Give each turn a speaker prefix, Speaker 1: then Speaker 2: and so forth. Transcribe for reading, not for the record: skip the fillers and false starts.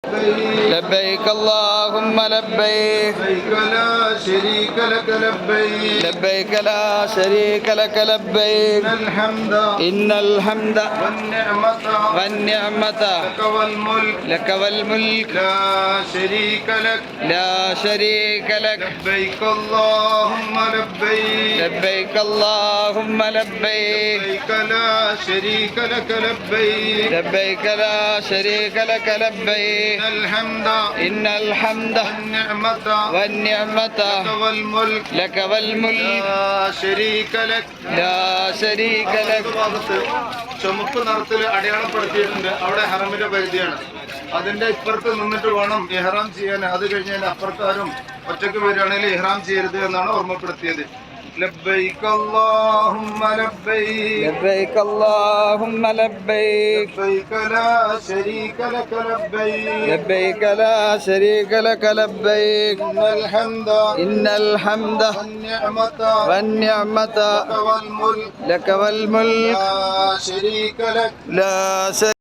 Speaker 1: لبيك اللهم لبيك
Speaker 2: لبيك لا شريك لك لبيك
Speaker 1: لبيك لا شريك لك لبيك
Speaker 2: إن الحمد
Speaker 1: والنعمة
Speaker 2: لك والملك
Speaker 1: لك
Speaker 2: لا شريك لك
Speaker 1: لبيك اللهم لبيك
Speaker 2: لبيك اللهم لبيك
Speaker 1: لبيك لا شريك لك لبيك
Speaker 2: لبيك لا شريك لك لبيك إن الحمد والنعمة
Speaker 1: لك والملك
Speaker 2: لا شريك لك
Speaker 1: ഭാഗത്ത് ചുമപ്പ് നിറത്തിൽ അടയാളപ്പെടുത്തിയിട്ടുണ്ട്. അവിടെ ഹറമിന്റെ പരിധിയാണ്. അതിന്റെ ഇപ്പുറത്ത് നിന്നിട്ട് വേണം ഇഹ്റാം ചെയ്യാൻ. അത് കഴിഞ്ഞാൽ അപ്പുറത്താരും ഒറ്റക്ക് വരികയാണെങ്കിൽ ഇഹ്റാം ചെയ്യരുത് എന്നാണ് ഓർമ്മപ്പെടുത്തിയത്. لبيك اللهم لبيك
Speaker 2: لبيك اللهم لبيك
Speaker 1: لبيك لا شريك لك لبيك
Speaker 2: لبيك لا شريك لك لبيك
Speaker 1: إن الحمد
Speaker 2: والنعمة
Speaker 1: لك والملك
Speaker 2: لك والملك
Speaker 1: لا شريك لك
Speaker 2: لا شريك